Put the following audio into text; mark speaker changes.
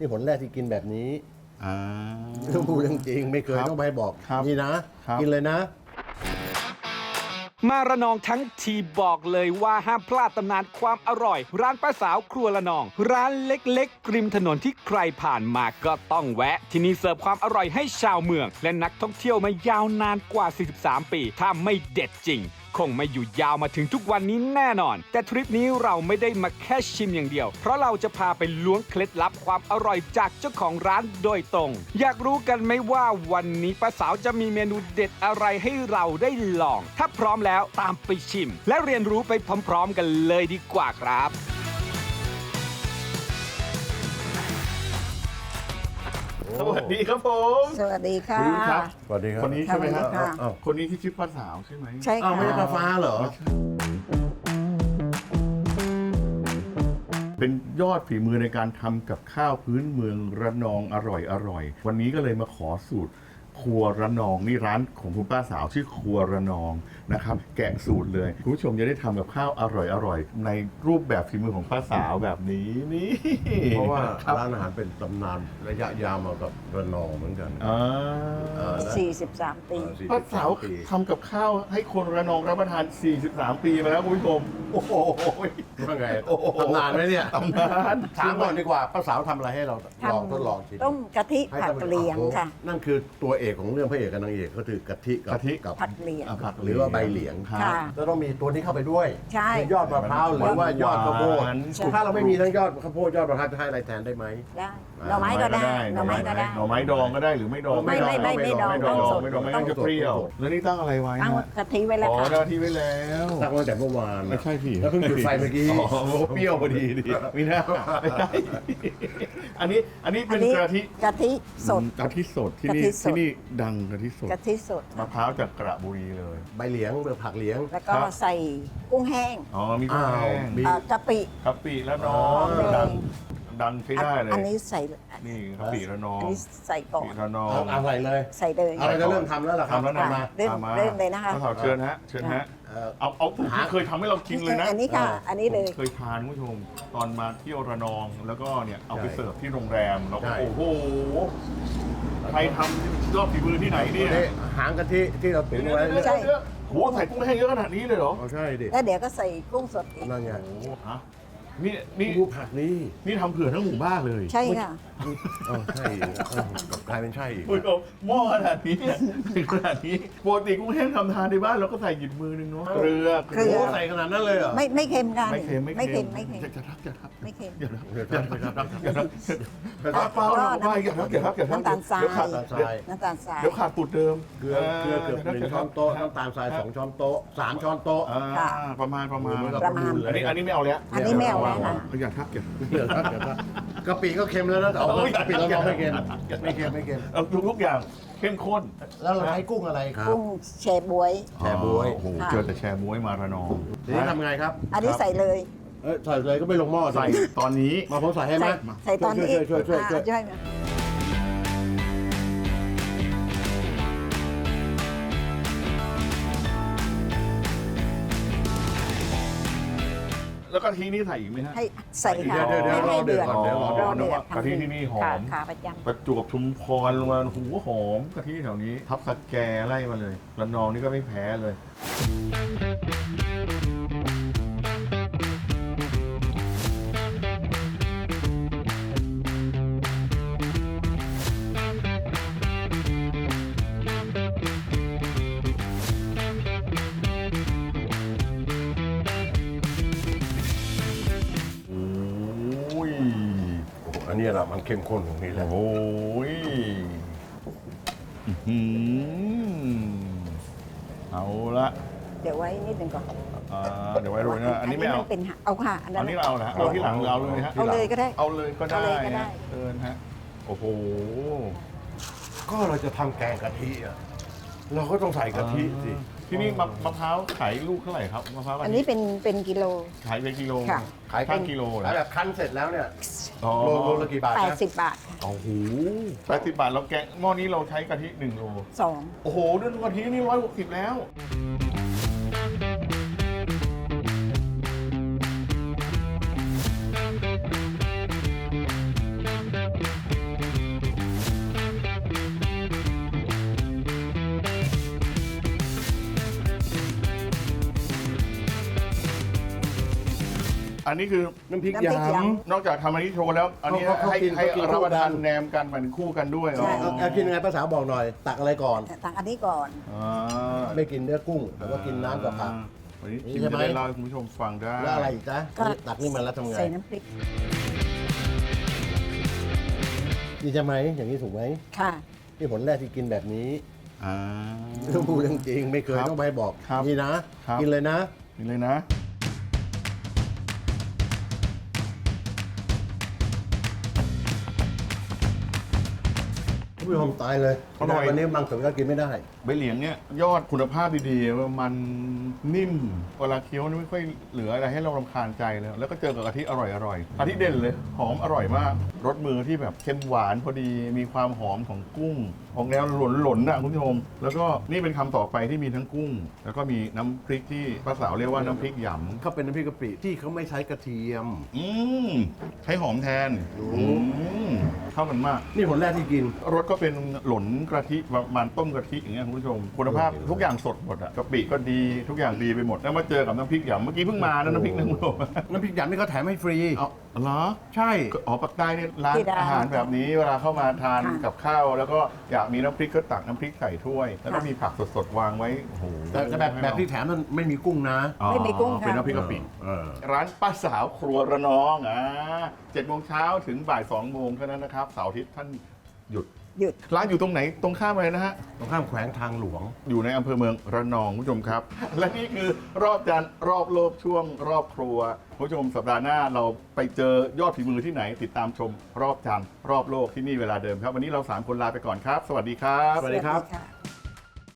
Speaker 1: นี่หนแรกที่กินแบบนี้
Speaker 2: า
Speaker 1: พูดจริงๆไม่เคย
Speaker 2: ครับ
Speaker 1: ต้องไปบอก
Speaker 2: ครับ
Speaker 1: นี่นะ
Speaker 2: ครับ
Speaker 1: กินเลยนะ
Speaker 3: มาระนองทั้งทีบอกเลยว่าห้ามพลาดตำนานความอร่อย ร้านป้าสาวครัวระนอง ร้านเล็กๆริมถนนที่ใครผ่านมาก็ต้องแวะ ที่นี่เสิร์ฟความอร่อยให้ชาวเมือง และนักท่องเที่ยวมายาวนานกว่า 43 ปี ถ้าไม่เด็ดจริง คงไม่อยู่ยาวมาถึงทุกวันนี้แน่นอน แต่ทริปนี้เราไม่ได้มาแค่ชิมอย่างเดียว เพราะเราจะพาไปล้วงเคล็ดลับความอร่อยจากเจ้าของร้านโดยตรง อยากรู้กันไหมว่าวันนี้ป้าสาวจะมีเมนูเด็ดอะไรให้เราได้ลอง ถ้าพร้อมแล้วตามไปชิม และเรียนรู้ไปพร้อมๆกันเลยดีกว่าครับ
Speaker 2: สวัสดีครับผม
Speaker 4: สวัสดีค่ะ
Speaker 2: คุณครับ
Speaker 1: สวัสดีครับ
Speaker 2: คนนี้ใช่ไหมครับ
Speaker 4: สวัสดีค่ะ
Speaker 1: อ้าว
Speaker 2: คนนี้ที่ชื่อป้าสาวใช่ไหม
Speaker 4: ใช่
Speaker 1: อ้าว
Speaker 4: ค่ะ
Speaker 1: ไม่ใช่ปลาฟ้าเหรอ
Speaker 2: เป็นยอดฝีมือในการทำกับข้าวพื้นเมืองระนองอร่อยวันนี้ก็เลยมาขอสูตรครัวระนองนี่ร้านของคุณป้าสาวชื่อครัวระนองนะครับ แกะสูตรเลยคุณผู้ชมจะได้ทำกับข้าวอร่อยในรูปแบบฝีมือของป้าสาวแบบนี้นี่
Speaker 1: เพราะว่า
Speaker 2: ครับ
Speaker 1: ร้านอาหารเป็นตำนานระยะยาวมากับระนองเหมือนกัน
Speaker 2: อ่า
Speaker 4: 43 ปี
Speaker 2: ป้าสาว
Speaker 1: ปี
Speaker 2: ทำกับข้าวให้คนระนองรับประทาน 43 ปีมาแล้วคุณผู้ชมโอ้โห
Speaker 1: ว่าไง
Speaker 2: โอ้โห
Speaker 1: ตำนานไหมเนี่ย
Speaker 2: ตำนาน
Speaker 1: ถามก่อนดีกว่าป้าสาวทำอะไรให้เราลองทดลองชิม
Speaker 4: ต้มกะทิ
Speaker 1: ให้
Speaker 4: ผัด
Speaker 1: ท่านผู้ชม
Speaker 4: เหลียงค่ะ
Speaker 1: นั่นคือตัวเอกของเรื่องพระเอกกับนางเอกก็คือกะทิกับ
Speaker 2: กะทิ
Speaker 1: กับ
Speaker 4: ผัดเหลียง
Speaker 2: ผัก
Speaker 1: หรือว่าใบเหลียง
Speaker 2: ครับ
Speaker 4: ค่ะ
Speaker 1: จะต้องมีตัวนี้เข้าไปด้วย
Speaker 4: ใช่
Speaker 1: คือยอดมะพร้าวหรือว่ายอดข้าวโพด
Speaker 2: หวาน
Speaker 1: ถ้าเราไม่มีทั้งยอดข้าวโพดยอดมะพร้าวจะให้อะไรแทนได้ไหม
Speaker 4: ได้หน่อไม้ก็ได้หน่อไม้ก็ได้
Speaker 2: หน่อไม้ดองก็ได้หรือไม่ดอง
Speaker 4: ไม่ดอง
Speaker 2: ไม่ดอง
Speaker 4: ไม่ดอง
Speaker 2: ไม่ดองไม่งั้นจะเปรี้ยว แล้วนี่ตั้งอะไรไว้
Speaker 4: ตั้ง
Speaker 2: ฮะ
Speaker 4: กะทิไว้แล้ว
Speaker 2: อ๋อ
Speaker 4: ค่ะ
Speaker 2: ได้ที่ไว้แล้ว
Speaker 1: ตั้งตั้งแต่เมื่อวาน
Speaker 2: ไม่ใช่พี่
Speaker 1: แล้วเพิ่งจุดไฟเมื่อกี้
Speaker 2: อ๋อเปรี้ยวพอดีดิไม่น่าไม่ได้อันนี้เป็นกะทิ
Speaker 4: กะทิสด
Speaker 2: กะทิสดที่
Speaker 4: กะ
Speaker 2: นี่
Speaker 4: ทิสด
Speaker 2: ที่นี่ดังกะทิสด
Speaker 4: กะทิสด
Speaker 2: มะพร้าวจากกระบุรีเลย
Speaker 1: ใบเหลียงผักเหลียง
Speaker 4: แล้วก็
Speaker 2: ครับ
Speaker 4: ใส่กุ้งแห้ง
Speaker 2: อ๋อมีกุ้งแห้ง
Speaker 1: มี
Speaker 4: กะปิ
Speaker 2: กะปิและน้อง
Speaker 4: อ๋อ
Speaker 2: ดังใช้ได้เลย
Speaker 4: อันนี้ใส่
Speaker 2: นี่กะปิและน้อง
Speaker 4: อันนี้ใส่ก่อก
Speaker 2: ะปิ
Speaker 4: น
Speaker 2: และน้อง
Speaker 1: เอาใส่เลย
Speaker 4: ใส่เลย
Speaker 1: อะไรจะเริ่มทำแล้วเหรอครับ
Speaker 2: ทำแล้วนะ
Speaker 4: ค่ะเริ่ม
Speaker 2: อามา
Speaker 4: เริ่มเลยนะคะ
Speaker 2: ป้าสาวเชิญฮะเชิญฮะ
Speaker 1: เอ่อ
Speaker 2: เอาสูตรที่เคยทำให้เรากินเลยนะ
Speaker 4: อันนี้ค่ะ อันนี้เลย
Speaker 2: ผมเคยทานคุณผู้ชมตอนมาเที่ยวระนองแล้วก็เนี่ยเอาไปเสิร์ฟที่โรงแรมแล้วก็
Speaker 1: ใช่
Speaker 2: โอ้โหใครทำยอดฝีมือที่ไหนเนี่ย
Speaker 1: นี่หางกะทิที่เราตุ๋นไว้
Speaker 4: ใช่
Speaker 2: โหใส่กุ้งแห้งเยอะขนาดนี้เลยเหรอ
Speaker 1: เอาใช่ดิ
Speaker 4: แล้วเดี๋ยวก็ใส่กุ้งสดอีก
Speaker 1: นั่นไง
Speaker 2: โอ้โหฮะนี่
Speaker 1: ดูผักนี่
Speaker 2: นี่ทำเผื่อทั้งหมู่บ้านเลย
Speaker 4: ใช่ค่ะ
Speaker 1: ใช่อีกกลายเป็นใช่อีก
Speaker 2: คุณผู้ชมหม้อขนาดนี้เนี่ยขนาดนี้ปกติกุ้งแห้งทำทานในบ้านเราก็ใส่หยิบมือนึงเนาะเกลือ
Speaker 4: เกลือ
Speaker 1: โอ้ใส่ขนาดนั้นเลยเหรอ
Speaker 4: ไม่เค็มกัน
Speaker 2: ไม่เค็ม
Speaker 4: ไม่เค็มไม่เค็ม
Speaker 2: จะทักจะทัก
Speaker 4: ไม่เค็ม
Speaker 2: อย่าทัก
Speaker 1: เดี๋ยวครับเดี๋ยวครับ
Speaker 2: อย่าทักเปล่าไม่อย่าทักอย่าทักอย่าทัก
Speaker 4: น้ำตาลทราย
Speaker 2: เดี๋ยวขาด
Speaker 1: ทราย
Speaker 4: น้ำตาลทราย
Speaker 2: เดี๋ยวขาดสูตรเดิม
Speaker 1: เกลือเกือบ1 ช้อนโต๊ะน้ำตาลทราย2 ช้อนโต๊ะ3 ช้อนโต๊ะ
Speaker 2: อ่าประมาณ
Speaker 4: ประมาณ
Speaker 2: อันนี้ไม่เอาแล้ว
Speaker 4: อันนี้ไม่เอาแล้วค่ะ
Speaker 2: อย่าทักอย่า
Speaker 1: เดี๋ยวครับกะปิก็เค็มแล้วนะแต่ว่ากะปิเราลองไม่เค็มไม่เค็ม
Speaker 2: เอาทุกอย่างเข้มข้น
Speaker 1: แล้วเราใช้กุ้งอะไรครับ
Speaker 4: กุ้งแชบวย
Speaker 1: แชร์บ๊วย
Speaker 2: โอ้โห
Speaker 4: ค่ะ
Speaker 2: เจอแต่แชร์บ๊วยมาระนอง
Speaker 1: ทีนี้ทำไงครับ
Speaker 4: อันนี้ใส่เลย
Speaker 1: ใส่เลยก็ไม่ลงหม้อ
Speaker 2: ใส่ตอนนี้
Speaker 1: มาผมใส่ให้ไหม
Speaker 4: ใส่ตอนนี้
Speaker 1: ช่วย
Speaker 4: ช่วย
Speaker 2: แล้วกะทินี่ใส่อีกไหมฮะ
Speaker 4: ให้ใส่ค่ะ
Speaker 1: เดี๋ยว
Speaker 4: ให้
Speaker 1: รอเดือดก่อน
Speaker 4: ให้
Speaker 1: เดี๋ยวรอ
Speaker 4: รอเดือด
Speaker 2: กะทิที่นี่หอม
Speaker 4: ขาประจ
Speaker 2: ประจวบชุมพรลงมาหูหอมกะทิแถวนี้ ทับสแกไล่มาเลยระนองนี่ก็ไม่แพ้เลย โอ้ย
Speaker 1: อันนี้แหละมันเข้มข้นตรงนี้แหละ
Speaker 2: โอ้ยอื้อหือเอาละ
Speaker 4: ำเดี๋ยวไว้นิดหนึ่งก่อน
Speaker 2: เดี๋ยวไว้โรยนะอันนี้ไม่เอา
Speaker 4: มันเป็นเอาค่ะอันนั้
Speaker 2: อั
Speaker 4: น
Speaker 2: นนี้เราเอาละเอาที่หลังเราเลยฮะ
Speaker 4: เอาเลยก็ได้
Speaker 2: เอาเลยก็ได้
Speaker 4: เอาเลยก็ได้
Speaker 2: ฮะเอิญฮะ โอ้โห
Speaker 1: ก็เราจะทำแกงกะทิอ่ะเราก็ต้องใส่กะทิสิ
Speaker 2: ที่นี่มะพร้าวขายลูกเท่าไหร่ครับมะพร้าว
Speaker 4: อันนี้เป็นกิโล
Speaker 2: ขายเป็นกิโล
Speaker 4: ค่ะ
Speaker 1: ขาย
Speaker 2: ข้างกิโลเหร
Speaker 1: ขา
Speaker 2: อย
Speaker 1: แบบคั้นเสร็จแล้วเนี่ย
Speaker 2: อ๋อ
Speaker 1: โลละกี่บาทนะ
Speaker 4: 80 บาท
Speaker 2: โอ้โห80 บาทเราแกงหม้อนี้เราใช้กะทิ1 โล
Speaker 4: 2
Speaker 2: โอ้โหเรื่องกะทินี่160แล้ว
Speaker 1: เ
Speaker 2: อันนี้คือ
Speaker 1: น้ำพริก
Speaker 4: น้ำพริก
Speaker 1: ย
Speaker 4: ย
Speaker 2: นอกจากทำอันนี้โชว์แล้ว อันนี้
Speaker 1: เขากิน
Speaker 2: ให้
Speaker 1: เขากิน
Speaker 2: รับประทาน
Speaker 1: คู่กัน
Speaker 2: แนมกันมันคู่กันด้วย
Speaker 4: ใช่
Speaker 2: อ๋อ
Speaker 1: ำกินยังไงภาษาบอกหน่อย ตักอะไรก่อน
Speaker 4: ตักอันนี้ก่อน
Speaker 2: อ่า
Speaker 1: ไม่กินเนื้อกุ้งแต่ว่ากินน้ำกับผัก
Speaker 2: วันนี้
Speaker 1: นี่
Speaker 2: ชิม
Speaker 1: ใช่ไหม
Speaker 2: จะได้เล่าให้คุณผู้ชมฟังได้
Speaker 1: แล้วอะไรอีกจ๊ะ
Speaker 4: ก็
Speaker 1: ตักนี่มาแล้วทำไง
Speaker 4: ใส่น้ำพริก
Speaker 1: นี่ใช่ไหมอย่างนี้ถูกไหม
Speaker 4: ค่ะ
Speaker 1: นี่ผลแรกที่กินแบบนี้
Speaker 2: อ่า
Speaker 1: ต้องพูดจริงๆไม่เคย
Speaker 2: ครับ
Speaker 1: ต้องไปบอก
Speaker 2: ครับ
Speaker 1: นี่นะ
Speaker 2: ครับ
Speaker 1: กินเลยนะ
Speaker 2: นี่เลยนะ
Speaker 1: ท่านผู้ชมตายเลย
Speaker 2: อร่อย
Speaker 1: วันนี้บางส่วนก็กินไม่ได้
Speaker 2: ใบเหลียงเนี่ยยอดคุณภาพดีๆมันนิ่มเวลาเคี้ยวนี่ไม่ค่อยเหลืออะไรให้เรารำคาญใจเลยแล้วก็เจอกับกะทิอร่อยๆกะทิเด่นเลยหอมอร่อยมากรสมือที่แบบเค็มหวานพอดีมีความหอมของกุ้งของแนวหล่นๆนะคุณผู้ชมแล้วก็นี่เป็นคำต่อไปที่มีทั้งกุ้ง แล้วก็มีน้ำพริกที่ป้าสาวเรียกว่าน้ำพริกหยำ
Speaker 1: เขาเป็นน้ำพริกกะปิที่เขาไม่ใช้กระเทียม
Speaker 2: ใช้หอมแทนเข้ากันมาก
Speaker 1: นี่ผลแรกที่กิน
Speaker 2: รสก็เป็นหลนกะทิประมาณต้มกะทิอย่างเงี้ยคุณผู้ชมคุณภาพทุกอย่างสดหมดอะกะปิก็ดีทุกอย่างดีไปหมดแล้วมาเจอกับน้ำพริกหยำเมื่อกี้เพิ่งมานะน้ำพริกนะคุณผู้ชม
Speaker 1: น้ำพริกหยำนี่เขาแถมให้ฟรี
Speaker 2: เอาเหรอ
Speaker 1: ใช่
Speaker 2: อ๋อปักใต้เนี่ยร้าน
Speaker 4: ที่ร้าน
Speaker 2: อาหารแบบนี้เวลาเข้ามาทาน
Speaker 4: ค่ะ
Speaker 2: กับข้าว แล้วก็อยากมีน้ำพริกก็ตักน้ำพริกใส่ถ้วย แล้วก็มีผักสดๆวางไว้โอ้โห
Speaker 1: แต่แบบที่แถมมันไม่มีกุ้งนะ
Speaker 2: อ๋อ
Speaker 4: ไม่มีกุ้งค่ะ
Speaker 2: เป็นน้ำพริกกะปิ
Speaker 1: เออ
Speaker 2: ร้านป้าสาวครัวระนอง7 โมงเช้าถึงบ่าย 2 โมงเท่านั้นนะครับเสาร์อาทิตย์ท่านหยุด
Speaker 4: หยุด
Speaker 2: ร้านอยู่ตรงไหนตรงข้ามเลยนะฮะ
Speaker 1: ตรงข้ามแขวงทางหลวง
Speaker 2: อยู่ในอำเภอเมืองระนองคุณผู้ชมครับ และนี่คือรอบจานรอบโลกช่วงรอบครัวคุณผู้ชมสัปดาห์หน้าเราไปเจอยอดฝีมือที่ไหน ติดตามชมรอบจานรอบโลกที่นี่เวลาเดิมครับ วันนี้เรา 3 คนลาไปก่อนครับ สวัสดีครับ
Speaker 1: สวัสดีครับ
Speaker 4: ค่ะ